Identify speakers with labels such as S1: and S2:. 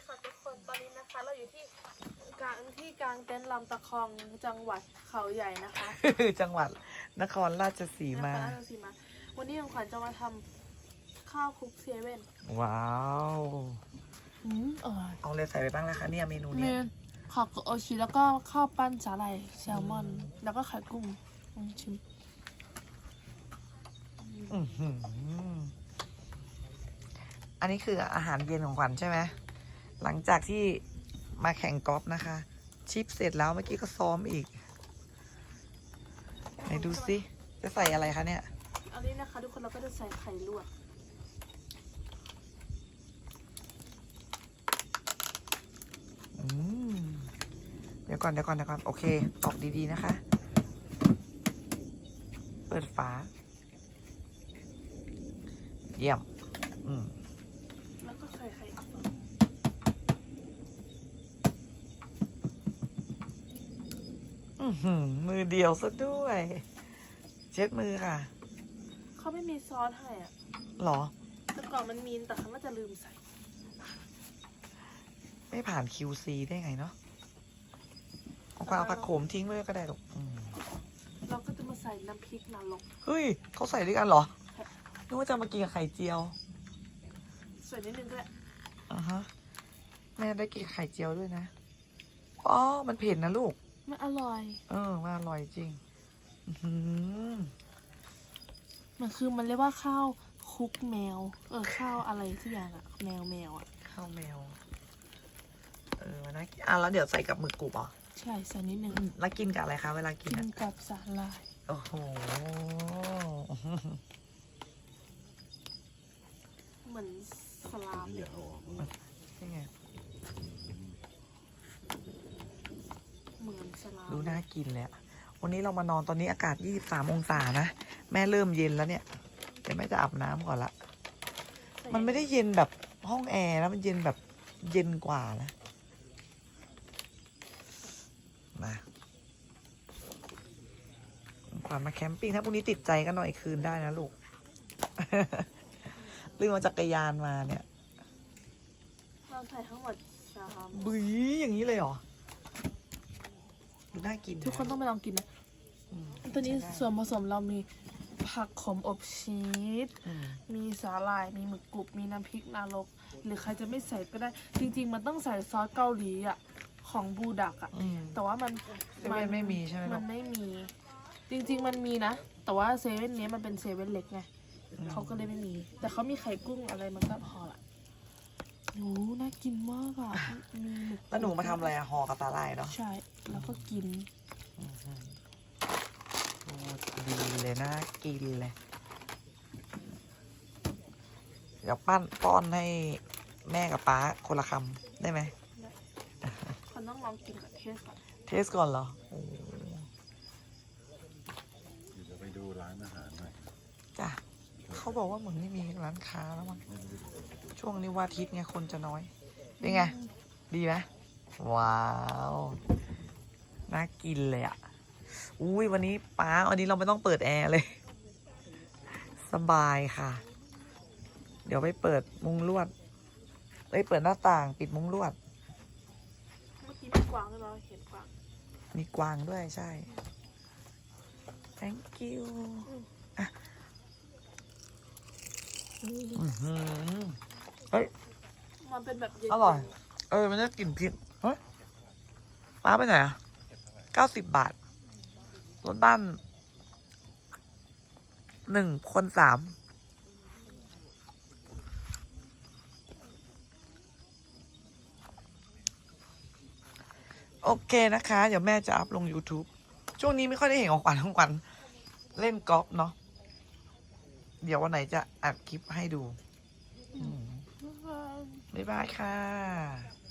S1: ค่ะทุกคนตอนนี้นะคะเราอยู่ที่กลางเต็นท์ลำตะคองจังหวัดเขาใหญ่นะคะ
S2: จังหวัดนครราชสีมา
S1: วันนี้ของขวัญจะมาทำข้าวคลุกเซเว่น
S2: ว้าว
S1: อร่อย
S2: เอาเลยใส่ไปบ้างแล้วคะเนี่ยเมนู
S1: เม
S2: เนี้ย
S1: นผักโอชิแล้วก็ข้าวปั้นสาหร่ายแซลมอน แล้วก็ไข่กุ้งชิม
S2: อื้อหืออันนี้คืออาหารเย็นของขวัญใช่ไหมหลังจากที่มาแข่งกอล์ฟนะคะ ชิปเสร็จแล้วเมื่อกี้ก็ซ้อมอีกไหนดูสิจะใส่อะไรคะเนี่ย
S1: อันนี้นะคะทุกคนเราก็จะใส่ไข่ลวก
S2: เดี๋ยวก่อนโอเคตอกดีๆนะคะ เปิดฝาเยี่ยม
S1: แล้วก็ใส่ไข่อีก
S2: มือเดียวซะด้วย เช็ดมือค่ะ
S1: เขาไม่มีซอสให้อ่ะ
S2: หรอ
S1: แต่ก่อนมันมีแต่เขาน่าจะลืมใส่
S2: ไม่ผ่าน QC ได้ไงเนาะเอาความเอาผักโขมทิ้งไว้ก็ได้หรอก
S1: เราก็จะมาใส่น้ำพริกนรก
S2: เฮ้ยเขาใส่ด้วยกันเหรอนึกว่าจะมากินกับไข่เจียว
S1: ใส่นิดนึงก็ได้
S2: อ่าฮะแม่ได้กินไข่เจียวด้วยนะอ๋อมันเผ็ดนะลูก
S1: มันอร่อย
S2: มันอร่อยจริง
S1: มันคือมันเรียกว่าข้าวคลุกแมว ข้าวอะไรทุกอย่างอะแมวอะ
S2: ข้าวแมวมันน่ากินแล้วเดี๋ยวใส่กับหมึกกรุบเหรอ
S1: ใช่ใส่นิดนึง
S2: แล้วกินกับอะไรคะเวลากิน
S1: กินกับสาหร่าย
S2: โอ้โห
S1: เหมือนสลามเดี๋ยว
S2: นี่ไง
S1: เหมือนสลาม
S2: ดูน่ากินเลยอะวันนี้เรามานอนตอนนี้อากาศ23องศานะแม่เริ่มเย็นแล้วเนี่ยเดี๋ยวแม่จะอาบน้ำก่อนละมันไม่ได้เย็นแบบห้องแอร์แล้วมันเย็นแบบเย็นกว่านะมาขวัญมาแคมปิ้งถ้าพรุ่งนี้ติดใจก็นอนอีกคืนได้นะลูก ลืมมาจักรยานมาเนี่ย
S1: เราใส่ทั้งหมด3
S2: บื้ออย่างนี้เลยเหรอดูน่ากิน
S1: ทุกคนต้องไปลองกินนะตัวนี้ส่วนผสมเรามีผักขมอบชีส มีสาหร่าย มีหมึกกรุบ มีน้ำพริกนรก หรือใครจะไม่ใส่ก็ได้ จริงๆ มันต้องใส่ซอสเกาหลีอ่ะ ของบูดักอ่ะ แต่ว่ามัน
S2: เซเว่นไม่มีใช่ไหมลู
S1: มั
S2: ก
S1: นไม่มี จริงๆ มันมีนะ แต่ว่าเซเว่นนี้มันเป็นเซเว่นเล็กไง เขาก็เลยไม่มี แต่เขามีไข่กุ้งอะไรมันก็พอละโอ้น่ากินมากอ่ะ มีหมึก
S2: แล้วหนูมาทำอะไรอะห่อกับตาลายเนาะ
S1: ใช่ แล้วก็กิน
S2: โอ้ดีเลยน่ากินเลย เดี๋ยวป้อนให้แม่กับป๊าคนละคำได้ไหม
S1: คนต้องลองกินกับเทสก่อน
S2: เทสก่อนเหรอโอ้
S3: เดี๋ยวไปดูร้านอาหารหน่อย
S2: จ้ะเขาบอกว่าเหมือนไม่มีร้านค้าแล้วมั้งช่วงนี้วันอาทิตย์ไงคนจะน้อย เป็นไง ดีไหมว้าว น่ากินเลยอ่ะ อุ้ยวันนี้ป๊าวันนี้เราไม่ต้องเปิดแอร์เลย สบายค่ะ เดี๋ยวไปเปิดมุ้งลวดเปิดหน้าต่างปิดมุ้งลวด
S1: เมื่อกี้มีกวางด้วยเราเห็นกวาง
S2: มีกวางด้วยใช่ thank you อ่ะเฮ้ย
S1: มันเป็นแบบเย็น
S2: อร่อย มันจะกลิ่นพริกเฮ้ยป้าไปไหนอ่ะ90 บาท รถบ้าน1 คน 3โอเคนะคะ เดี๋ยวแม่จะอัพลง YouTube ช่วงนี้ไม่ค่อยได้เห็นของขวัญเล่นกอล์ฟเนาะ เดี๋ยววันไหนจะอัดคลิปให้ดู บ๊ายบายค่ะ